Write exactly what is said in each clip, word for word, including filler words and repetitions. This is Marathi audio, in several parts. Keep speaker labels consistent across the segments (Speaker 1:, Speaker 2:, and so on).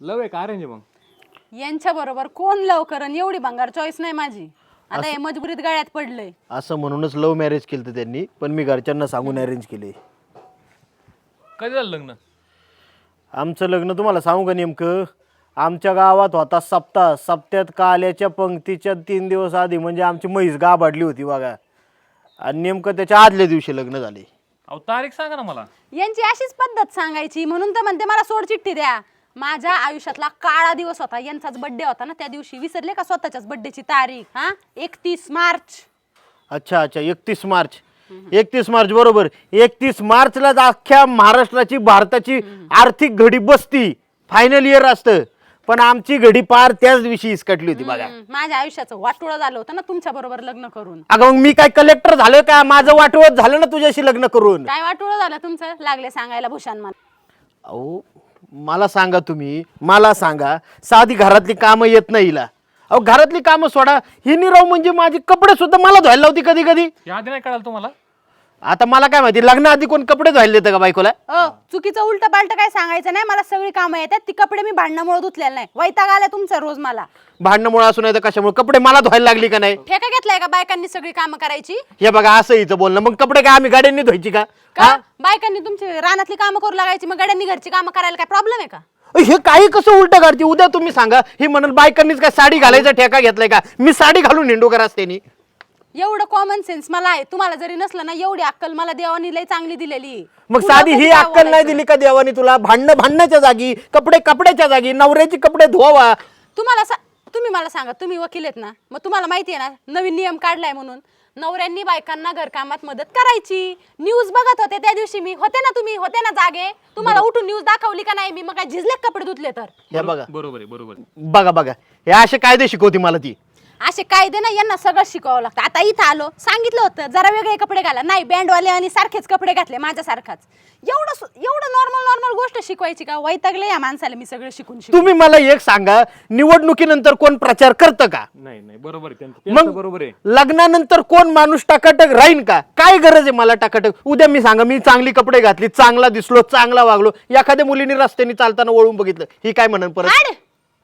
Speaker 1: लव आहे का अरेंज मग?
Speaker 2: यांच्या बरोबर कोण लव करन, एवढी भंगार चॉईस नाही माझी. आता हे मजबुरीत गळ्यात पडलंय.
Speaker 3: असं म्हणूनच लव्ह मॅरेज केलं त्यांनी, पण मी घरच्यांना सांगून अरेंज केले.
Speaker 1: कधी झालं लग्न?
Speaker 3: आमचं लग्न तुम्हाला सांगू का नेमकं, आमच्या गावात होता सप्ताह. सप्त्यात काल्याच्या पंक्तीच्या तीन दिवस आधी म्हणजे आमची म्हैस गाभाडली होती बघा, आणि नेमकं त्याच्या आदल्या दिवशी लग्न झाले.
Speaker 1: अहो तारीख सांगा ना मला.
Speaker 2: यांची अशीच पद्धत सांगायची, म्हणून तर म्हणते मला सोड चिठ्ठी द्या. माझ्या आयुष्यातला काळा दिवस होता, यांचाच बर्थडे होता ना त्या दिवशी. विसरले का स्वतःच्याच बर्थडेची तारीख? हा, एकतीस मार्च.
Speaker 3: अच्छा अच्छा, एकतीस मार्च. एकतीस मार्च बरोबर. एकतीस मार्चलाच अख्ख्या महाराष्ट्राची भारताची आर्थिक घडी बसती, फायनल इयर असतं, पण आमची घडी पार त्याच दिवशी इसकटली होती बघा.
Speaker 2: माझ्या आयुष्याचं वाटोळं झालं होतं ना तुमच्या बरोबर लग्न करून.
Speaker 3: अगं मग मी काय कलेक्टर झालोय का? माझं वाटवत झालं ना तुझ्याशी लग्न करून.
Speaker 2: काय वाटोळं झालं तुमचं? लागले सांगायला भूषण मला.
Speaker 3: अहो मला सांगा, तुम्ही मला सांगा, साधी घरातली कामं येत नाही हिला. अहो घरातली कामं सोडा, ही निराव म्हणजे माझे कपडे सुद्धा मला धुवायला लावती कधी कधी.
Speaker 1: या आधी नाही कळालं तुम्हाला?
Speaker 3: आता मला काय माहिती, लग्नाआधी कोण कपडे धुवायला देतं का बायकोला?
Speaker 2: अ चुकीचं उलट पालट काय सांगायचं नाही. मला सगळी कामं येतात, ती कपडे मी भांडणामुळे धुतलेले नाही. वैताग आला तुमचा रोज मला.
Speaker 3: भांडणामुळे असू नाही तर कशामुळे? कपडे मला धुवायला लागली का नाही?
Speaker 2: ठेका घेतलाय का बायकांनी सगळी कामं करायची?
Speaker 3: हे बघा असं हिचं बोलणं. मग कपडे काय आम्ही गाड्यांनी धुवायची का?
Speaker 2: का बायकांनी तुमची रानातली कामं करू लागायची, मग गड्यांनी घरची कामं करायला काय प्रॉब्लेम आहे का?
Speaker 3: हे काही कसं उलट करते? उद्या तुम्ही सांगा, ही म्हणून बायकांनीच काय साडी घालायचा ठेका घेतलाय का? मी साडी घालून हिंडू का रस्त्यानी?
Speaker 2: एवढं कॉमन सेन्स मला आहे, तुम्हाला जरी नसलं ना एवढी अक्कल मला देवानी लय चांगली दिलेली आहे.
Speaker 3: मग
Speaker 2: पुढं
Speaker 3: साधी
Speaker 2: कधी
Speaker 3: ही
Speaker 2: काय
Speaker 3: अक्कल नाही
Speaker 2: बोलायचं?
Speaker 3: दिली का देवानी तुला? भांडणं भांडण्याच्या जागी, कपडे कपड्याच्या जागी, नवऱ्याचे कपडे धुवा.
Speaker 2: तुम्हाला सा- तुम्ही मला सांगा, तुम्ही वकील आहेत ना, मग तुम्हाला माहिती आहे ना नवीन नियम काढलाय म्हणून नवऱ्यांनी बायकांना घरकामात मदत करायची. न्यूज बघत होते त्या दिवशी मी, होते ना तुम्ही, होते ना जागे? तुम्हाला उठून न्यूज दाखवली का नाही मी? मग काय झिजले कपडे धुतले तर?
Speaker 3: हे बघा
Speaker 1: बरोबर आहे, बरोबर आहे.
Speaker 3: बघा बघा, हे असे कायदे शिकवते मला ती.
Speaker 2: असे कायदे ना यांना सगळं शिकावं लागतं. आता इथं आलो, सांगितलं होतं जरा वेगळे कपडे घाला, नाही बँडवाले आणि सारखेच कपडे घातले माझ्यासारखाच. एवढं सु- एवढं नॉर्मल नॉर्मल गोष्ट शिकवायची का? वैतागले या माणसाला मी सगळं शिकून शिकून.
Speaker 3: तुम्ही मला एक सांगा, निवडणुकीनंतर कोण प्रचार करतं का?
Speaker 1: नाही नाही बरोबर आहे त्यांचं, त्यांचं
Speaker 3: मग
Speaker 1: बरोबर आहे.
Speaker 3: लग्नानंतर कोण माणूस टाकाटक राहीन का? काय गरज आहे मला टाकाटक? उद्या मी सांगा, मी चांगली कपडे घातली, चांगला दिसलो, चांगला वागलो, एखाद्या मुलीने रस्त्याने चालताना वळून बघितलं, ही काय म्हणन परत?
Speaker 2: हाड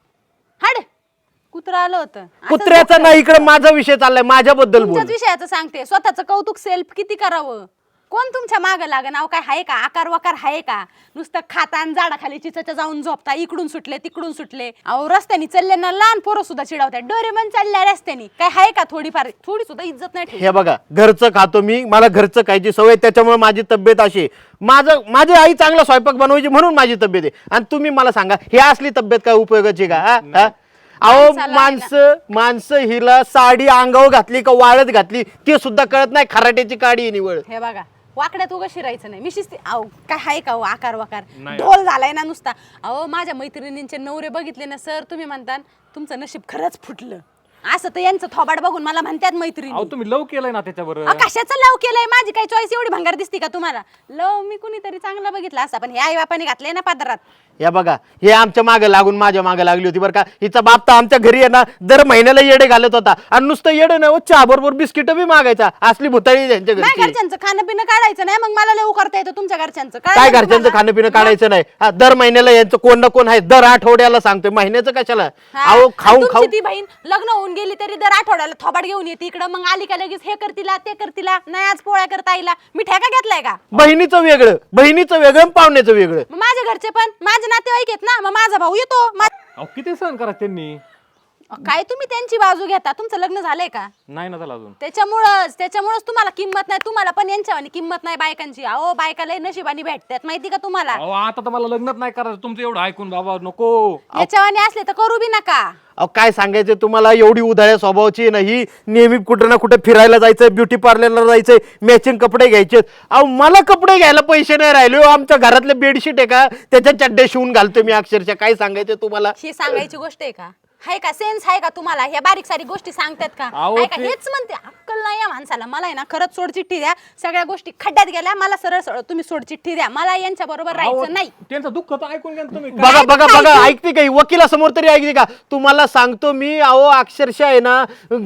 Speaker 2: हाड कुत्रा आलं होतं. असंच
Speaker 3: कुत्र्याचा
Speaker 2: बघतोय.
Speaker 3: नाही, इकडे माझा विषय चाललाय, माझ्याबद्दल बोल.
Speaker 2: तुमच्याच विषयाचं सांगते. स्वतःचं कौतुक सेल्फ किती करावं? कोण तुमच्या मागं लाग? नाव काय आहे का? आकार वाकार आहे का? नुसतं खाता आणि झाडाखाली चिचच्या जाऊन झोपता, इकडून सुटले तिकडून सुटले. अहो रस्त्याने चालले ना लहान पोरं सुद्धा चिडवतात, डोरेमन चालल्या रस्त्याने. काय आहे का थोडीफार? थोडी सुद्धा इज्जत नाही ठेवली.
Speaker 3: हे बघा, घरचं खातो मी, मला घरचं खायची सवय, त्याच्यामुळे माझी तब्येत अशी आहे. माझं माझी आई चांगला स्वयंपाक बनवायची म्हणून माझी तब्येत आहे. आणि तुम्ही मला सांगा, ही असली तब्येत काय उपयोगाची का? हा? हा? अहो
Speaker 2: माणसाला
Speaker 3: माणसं माणसं हिला साडी अंगावर घातली का वाळत घातली ते सुद्धा कळत नाही. खराट्याची काडी आहे निवड.
Speaker 2: हे बघा, वाकड्यात उगा शिरायचं नाही. मी शिस्ती. अहो काय आहे का? हो आकार वाकार
Speaker 1: नाही.
Speaker 2: ढोल झालाय ना नुसता. अहो माझ्या मैत्रिणींचे नवरे बघितले ना सर, तुम्ही म्हणता तुमचं नशीब खरंच फुटलं. असं तर यांचं थोबाड बघून मला म्हणतात मैत्रिणी.
Speaker 1: अहो तुम्ही लव केलंय ना त्याच्यावर.
Speaker 2: अ, कशाचं लव केलंय? माझी काही चॉईस एवढी भंगार दिसते का तुम्हाला? लव मी कुणीतरी चांगला बघितला असा, पण हे आई बापाने घातलंय ना पादरात.
Speaker 3: या बघा, हे आमच्या मागे लागून माझ्या मागे लागली होती बरं का. हिचा बाप तर आमच्या घरी आहे ना दर महिन्याला येडे घालत होता, आणि नुसतं येडे ना, चहा बरोबर बिस्किट बी मागायचा. असली भुताळी त्यांच्या
Speaker 2: नाही
Speaker 3: घरी.
Speaker 2: घरच्यांचं खाणं पिणं काढायचं नाही, मग मला लव करता येतं तुमच्या घरच्यांचं.
Speaker 3: काय
Speaker 2: कळलं
Speaker 3: घरच्यांचं
Speaker 2: तुम्हाला?
Speaker 3: खाणं पिणं काढायचं नाही. हा, दर महिन्याला यांचं कोण ना कोण आहे, दर आठवड्याला सांगतोय, महिन्याचं कशाला?
Speaker 2: हा,
Speaker 3: अहो
Speaker 2: आणि
Speaker 3: खाऊन
Speaker 2: तुमची
Speaker 3: खाऊ
Speaker 2: ती बहीण लग्न होऊन गेली तरी दर आठवड्याला थोबाड घेऊन येते इकडं, मग आली का लगेच हे करतीला ते करतीला, नाही आज पोळ्या करता आईला. मी ठेका घेतलाय का?
Speaker 3: बहिणीचं वेगळं, बहिणीचं वेगळं आणि पाहुण्याचं वेगळं.
Speaker 2: मग माझ्या घरचे पण माझे नातेवाईक आहेत ना, मग माझा भाऊ येतो. मा-
Speaker 1: अहो किती सहन करा त्यांनी.
Speaker 2: काय तुम्ही त्यांची बाजू घेता? तुमचं लग्न झालंय का?
Speaker 1: नाही ना त्याला अजून.
Speaker 2: त्याच्यामुळंच त्याच्यामुळंच तुम्हाला किंमत नाही. तुम्हाला पण यांच्यावानी किंमत नाही बायकांची. अहो बायका लय नशिबानी भेटतात माहिती का तुम्हाला?
Speaker 1: अहो आता तर मला लग्नच नाही करायचं तुमचं एवढं ऐकून बाबा नको.
Speaker 2: याच्यावानी असले तर करू बी नका.
Speaker 3: अहो काय सांगायचं तुम्हाला, एवढी उधाळ्या स्वभावाची आहे ना ही. नेहमी कुठं ना कुठे फिरायला जायचंय, ब्युटी पार्लरला जायचंय, मॅचिंग कपडे घ्यायचे. अहो मला कपडे घ्यायला पैसे नाही राहिले हो. आमच्या घरातले बेडशीट आहे का त्याच्या चड्डे शिवून घालतो मी अक्षरशः. काय सांगायचं तुम्हाला?
Speaker 2: ही सांगायची गोष्ट आहे का? हाय का सेन्स आहे का तुम्हाला? ह्या बारीक सारी गोष्टी सांगतात का?
Speaker 1: अहो,
Speaker 2: हाय का?
Speaker 1: ते-
Speaker 2: हेच म्हणते, अक्कल नाही या माणसाला. मला आहे ना खरंच सोड चिठ्ठी द्या. सगळ्या गोष्टी खड्ड्यात गेल्या, मला सरळ सरळ तुम्ही सोड चिठ्ठी द्या. मला यांच्या बरोबर
Speaker 1: अहो,
Speaker 2: राहायचं नाही.
Speaker 1: त्यांचं दुःख तर ऐकून घ्या ना तुम्ही.
Speaker 3: बघा बघा
Speaker 2: काय
Speaker 3: बघा,
Speaker 2: तू?
Speaker 3: ऐकते काही वकिलासमोर तरी ऐकते का? तुम्हाला सांगतो मी, अहो अक्षरशः आहे ना,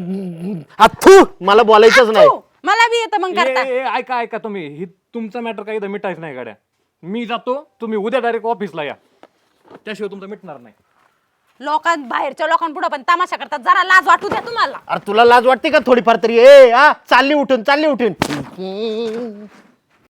Speaker 3: अथू मला बोलायचंच नाही.
Speaker 2: तू, मला बी येतं मग करता.
Speaker 1: ए, ए, ऐका ऐका तुम्ही, ही तुमचा मॅटर काही मिटायच नाही गाड्या. मी जातो, तुम्ही उद्या डायरेक्ट ऑफिसला या. त्याशिवाय तुमचं मिटणार नाही.
Speaker 2: लोकां बाहेरच्या लोकांपुढे पण तमाशा करतात, जरा लाज वाटू द्या तुम्हाला.
Speaker 3: अरे तुला लाज वाटते का थोडीफार तरी? ए हा चालली उठून चालली उठून